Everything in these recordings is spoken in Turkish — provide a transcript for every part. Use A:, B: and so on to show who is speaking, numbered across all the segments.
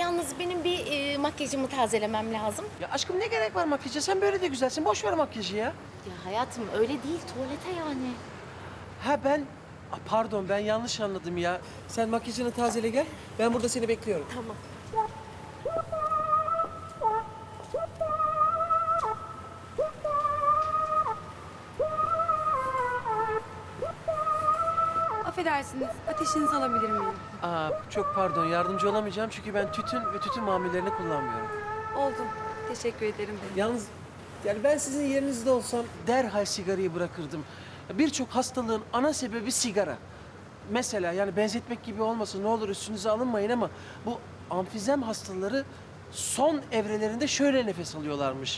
A: yalnız benim bir makyajımı tazelemem lazım.
B: Ya aşkım ne gerek var makyaja? Sen böyle de güzelsin. Boş ver makyajı ya.
A: Ya hayatım öyle değil, tuvalete yani.
B: Ha ben... Pardon ben yanlış anladım ya. Sen makyajını tazele gel. Ben burada seni bekliyorum.
A: Tamam.
C: Affedersiniz, ateşinizi alabilir miyim?
B: Çok pardon yardımcı olamayacağım çünkü ben tütün ve tütün mamullerini kullanmıyorum.
C: Oldu. Teşekkür ederim.
B: Yalnız yani ben sizin yerinizde olsam derhal sigarayı bırakırdım. Birçok hastalığın ana sebebi sigara. Mesela yani benzetmek gibi olmasın ne olur üstünüze alınmayın ama bu amfizem hastaları son evrelerinde şöyle nefes alıyorlarmış.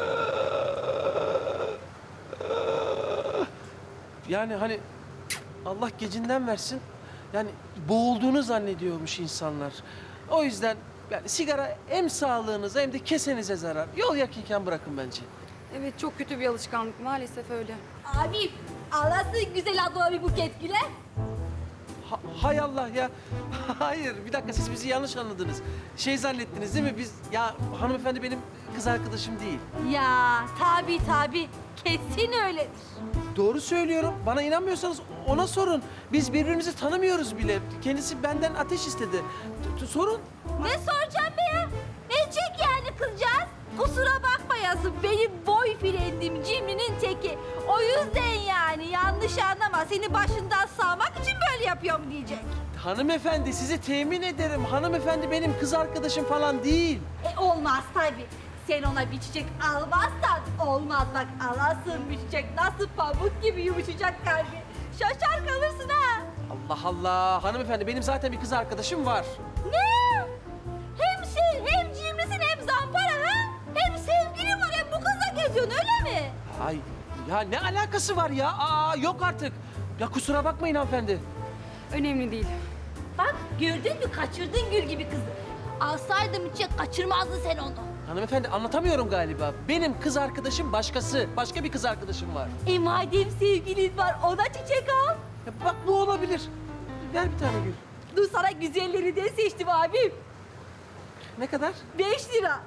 B: Yani hani Allah gecinden versin. Yani boğulduğunu zannediyormuş insanlar. O yüzden yani sigara hem sağlığınıza hem de kesenize zarar. Yol yakınken bırakın bence.
C: Evet, çok kötü bir alışkanlık. Maalesef öyle.
D: Abi alasın güzel adama bir buket güle.
B: Hay Allah ya. Hayır bir dakika siz bizi yanlış anladınız. Şey zannettiniz değil mi? Biz ya hanımefendi benim kız arkadaşım değil.
D: Ya tabi kesin öyledir.
B: Doğru söylüyorum. Bana inanmıyorsanız ona sorun. Biz birbirimizi tanımıyoruz bile. Kendisi benden ateş istedi. Sorun.
D: Ne soracağım be ya? Ne çek yani kızcağız? Kusura bakma yazın benim boyfriendim Cimri'nin teki. O yüzden yani yanlış anlama seni başından sağmak için böyle yapıyorum diyecek.
B: Hanımefendi sizi temin ederim. Hanımefendi benim kız arkadaşım falan değil.
D: Olmaz tabi. Sen ona bir çiçek almazsan olmaz bak alasın bir çiçek nasıl pamuk gibi yumuşacak kalbi. Şaşar kalırsın ha.
B: Allah Allah. Hanımefendi benim zaten bir kız arkadaşım var.
D: Ne? Hem sen hem cimrisin hem zampara ha? Hem sevgilin var hem bu kızla geziyorsun öyle mi?
B: Ay ya ne alakası var ya? Yok artık. Ya kusura bakmayın hanımefendi.
C: Önemli değil.
D: Bak gördün mü kaçırdın gül gibi kızı. Alsaydım çiçek kaçırmazdın sen onu.
B: Hanımefendi anlatamıyorum galiba. Benim kız arkadaşım başkası. Başka bir kız arkadaşım var.
D: Madem sevgilin var ona çiçek al.
B: Ya bak bu olabilir. Ver bir tane gül.
D: Dur sana güzelleri de seçtim abim.
B: Ne kadar?
D: 5 lira.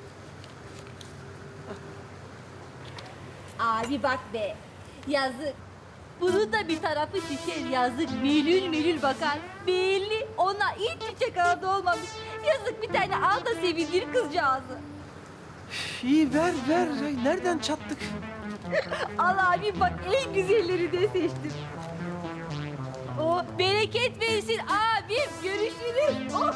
D: Abi bak be. Yazık. Bunun da bir tarafı şişer yazık. Melül melül bakar. Belli ona hiç çiçek aradı olmamış. Yazık bir tane al da sevindir kızcağızı.
B: İyi ver ver. Ay, nereden çattık?
D: Al abi bak en güzelleri de seçtim. Oh bereket versin abim. Görüşürüz. Oh.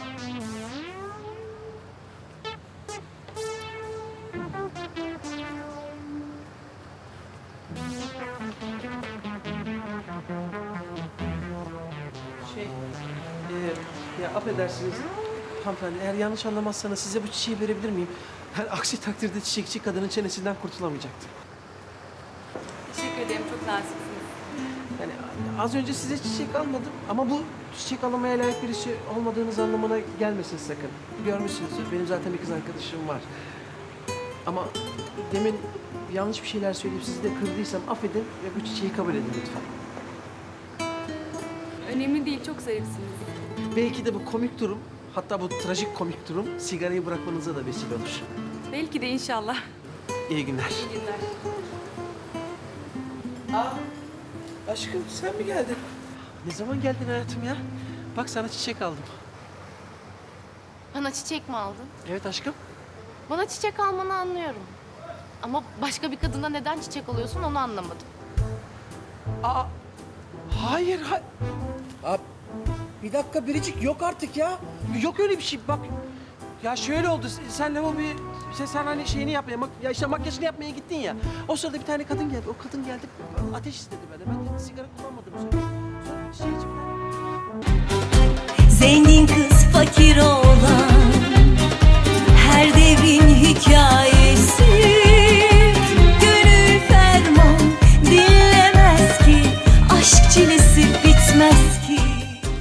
B: Ya affedersiniz. Hanımefendi eğer yanlış anlamazsanız size bu çiçeği verebilir miyim? Yani aksi takdirde çiçekçi kadının çenesinden kurtulamayacaktım.
C: Teşekkür ederim, çok naziksiniz.
B: Yani az önce size çiçek almadım ama bu çiçek almaya layık birisi olmadığınız anlamına gelmesin sakın. Görmüşsünüzdür benim zaten bir kız arkadaşım var. Ama demin yanlış bir şeyler söyleyip sizi de kırdıysam affedin ve bu çiçeği kabul edin lütfen.
C: Önemli değil, çok zarifsiniz.
B: Belki de bu komik durum, hatta bu trajik komik durum sigarayı bırakmanıza da vesile olur.
C: Belki de inşallah.
B: İyi günler.
C: İyi günler.
B: Aşkım sen mi geldin? Ne zaman geldin hayatım ya? Bak sana çiçek aldım.
A: Bana çiçek mi aldın?
B: Evet aşkım.
A: Bana çiçek almanı anlıyorum. Ama başka bir kadına neden çiçek alıyorsun onu anlamadım.
B: Hayır. Bir dakika Biricik yok artık ya. Yok öyle bir şey bak. Ya şöyle oldu. Senle o bir... Sen hani şeyini yapmaya, ya işte makyajını yapmaya gittin ya. O sırada bir tane kadın geldi. O kadın geldi ateş istedi benden. Ben de sigara kullanmadığımı söyledim. Sonra çiçeği içimden...
E: Zengin kız fakir oğlan